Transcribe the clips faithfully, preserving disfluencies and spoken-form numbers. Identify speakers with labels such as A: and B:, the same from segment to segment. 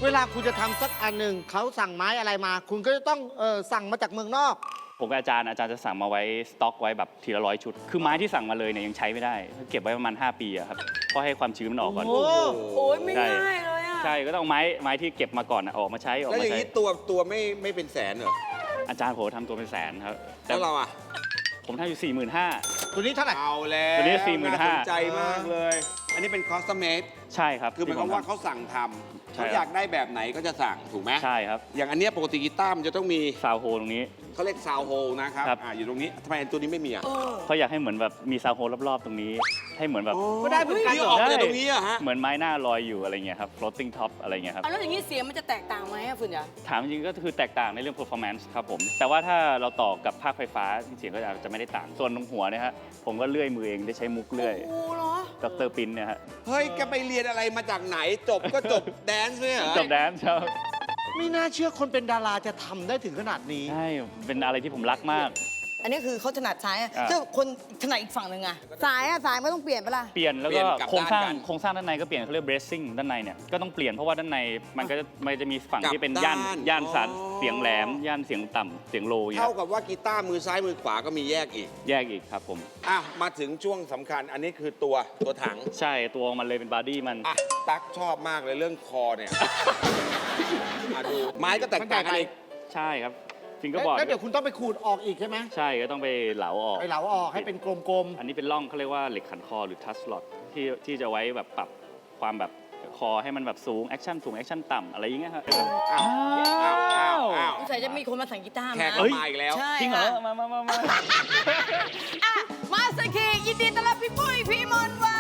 A: เวลาคุณจะทำสักอันหนึ่งเขาสั่งไม้อะไรมา คุณก็จะต้องเออสั่งมาจากเมืองนอก
B: ผมกับอาจารย์อาจารย์จะสั่งมาไว้สต็อกไว้แบบทีละร้อยชุดคือไม้ที่สั่งมาเลยเนี่ยยังใช้ไม่ได้เก็บไว้ประมาณห้าปีอะครับเพราะให้ความชื้นมันออกก่อน
A: โอ้
C: โอ้ยไม่ง่ายเลยอ่ะ
B: ใช่ก็ต้องไม้ไม้ที่เก็บมาก่อนออกมาใช้ออก
D: แล้ว
B: มา
D: อย่าง
B: ใช้
D: นี้ตัวตัวไม่ไม่เป็นแสนเหรอ
B: อาจารย์ผมทำตัวเป็นแสนครับ
D: แล้วเราอ่ะ
B: ผมทำอยู่สี่หมื่นห้า
A: ตัวนี้เท่าไหร่
D: เอาแล้ว
B: ตัวนี้สี่หมื่นห้า
D: สนใจมากเลย อันนี้เป็นคอสตอมเมด
B: ใช่ครับ
D: คือหมายความว่าเขาสั่งทำ
B: ใช่
D: เขา
B: ครับ
D: อยากได้แบบไหนก็จะสั่งถูกไหม
B: ใช่ครับ
D: อย่างอันเนี้ยปกติกีตาร์มันจะต้องมี
B: ซาวโฮตรงนี้
D: เขาเรียกซาวโฮนะครับ
B: ครับ
D: อ่าอยู่ตรงนี้ทำไมอันตัวนี้ไม่มีอ่ะ
C: เออ
B: เขาอยากให้เหมือนแบบมีซาวโฮตรอบๆตรงนี้ ให้เหมือนแบบ
A: ก็ได้เหมือนกัน
D: นี่
A: เหร
D: อ
A: อ
D: อกมาจากตรงนี้อะฮะ
B: เหมือนไม้หน้าลอยอยู่อะไรเงี้ยครับ floating top อะไรเงี้ยครับ
C: เอาแล้วอย่างนี้เสียงมันจะแตกต่างไหมอะฝุ่นจ๋า
B: ถามจริงๆก็คือแตกต่างในเรื่อง performance ครับผม แต่ว่าถ้าเราต่อกับภาคไฟฟ้าเสียงก็อาจจะไม่ได้ต่าง ส่วนตรงหัวเนี่ยฮะผมก็เลื่อยมือเองได้ใช้มุกเลื่อย
C: โอ้เหรอ
B: ดรปินเนี่ยฮะ
D: เฮ้ยแกไปเรียนอะไรมาจากไหนจบก็จบแดนซ์เนี่ยเหรอ
B: จบแดนซ์ครับ
A: ไม่น่าเชื่อคนเป็นดาราจะทำได้ถึงขนาดนี้
B: ใช่ เป็นอะไรที่ผมรักมาก
C: อันนี้คือเขาถนัดซ้ายอะ
B: อ่า
C: ถ้าคนถนัดอีกฝั่งหนึ่งอะสายอะสายไม่ต้องเปลี่ยนปะล่ะ
B: เปลี่ยนแล้ว
D: เปลี่
B: ก็
D: ยนกลับ
B: โครงสร้าง
D: ด้านกัน
B: โครงสร้างด้านในก็เปลี่ยนเขาเรียก bracing ด้านในเนี่ยก็ต้องเปลี่ยนเพราะว่าด้านในมันก็จะมันจะมีฝั่ง
D: กลับ
B: ที่เป็นย่าน
D: ด้าน
B: ย่านสัน
D: อ๋อ
B: เสียงแหลม ย่านเสียงต่ำเสียงโลอย่างเงี้
D: เท่าย กับว่ากีตาร์มือซ้ายมือขวาก็มีแยกอีก
B: แยกอีกครับผม
D: อ่ะมาถึงช่วงสำคัญอันนี้คือตัวตัวถัง
B: ใช่ตัวมันเลยเป็นบอดี้มัน
D: อ่ะตั๊กชอบมากเลยเรื่องคอเนี่ย มาดูไม้ก็แตกต่างกันอีก
B: ใช่ครับฟิงก็บอร์ด
A: แล้วเดี๋ยวคุณต้องไปขูดออกอีกใช่ไหม
B: ใช่ก็ต้องไปเหลาออก
A: ไปเหลาออกให้เป็นกลม
B: อันนี้เป็นร่องเขาเรียกว่าเหล็กขันคอหรือทัชล็อตที่ที่จะไว้แบบปรับความแบบคอให้มันแบบสูงแอคชั่นสูงแอคชั่นต่ำอะไรอย่างเงี้ยครับ
D: อ้าวอ้าวอ้าวอ้าว
C: สงสัยจะมีคนมาสั่งกีตาร์
D: แข
C: มาก
D: ก็มาอีกแล้ว
C: ใช่
B: จริงเหรอ
C: ค่ะ
B: มามามามา
C: อ่ะมาสเตอร์คียินดีต้อนรับพี่ปุ้ยพี่มนต์วัน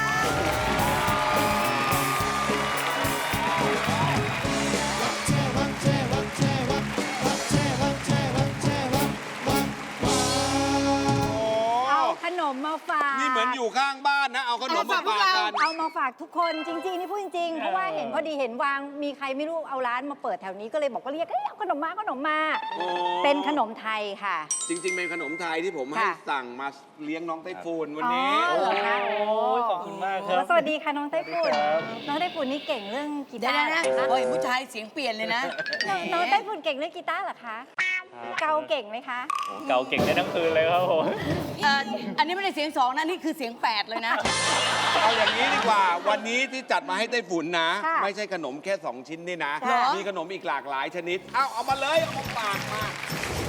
E: เอาขนมมาฝาก
D: นี่เหมือนอยู่ข้างบ้านนะ เอาขนมมาฝากกัน
E: เอามาฝากทุกคนจริงๆนี่พูดจริงๆ เพราะว่าเห็นพอดีเห็นวางมีใครไม่รู้เอาร้านมาเปิดแถวนี้ก็เลยบอกว่าเรียกเอ้ยเอาขนมมาขนมมา
D: โอ้
E: เป็นขนมไทยค่ะ
D: จริง ๆ เป็นขนมไทยที่ผมให้
E: ค่ะ
D: สั่งมาเลี้ยงน้องไต้ฝุ่นวันนี้
E: อ๋อเหรอคะ
B: โอ้ยขอบคุณมากครับ
E: โอ้สวัสดีค่ะน้องไต้ฝุ่นน้องไต้ฝุ่นนี่เก่งเรื่องกี
C: เดี๋ยว
E: ตาร์
C: นะ
E: เหรอคะ
C: โอ้ยผู้ชายเสียงเปลี่ยนเลยนะ
E: น้องน้องไต้ฝุ่นเก่งเรื่องกีตาร์เหรอคะ
B: ครับ
E: เกาเก่งไหมคะ
B: โอ้เกาเก่งได้ทั้งคืนเลยครับผม
C: เอ่ออันนี้ไม่ได้เสียงสองนะนี่คือเสียงแปดเลยนะ
D: เอาอย่างนี้ดีกว่า วันนี้ที่จัดมาให้ไต้ฝุ่นนะ
E: ค่ะ
D: ไม่ใช่ขนมแค่ สอง ชิ้นนี่นะ
E: ค่ะ
D: มีขนมอีกหลากหลายชนิด เอาเอามาเลย เอามาฝากมา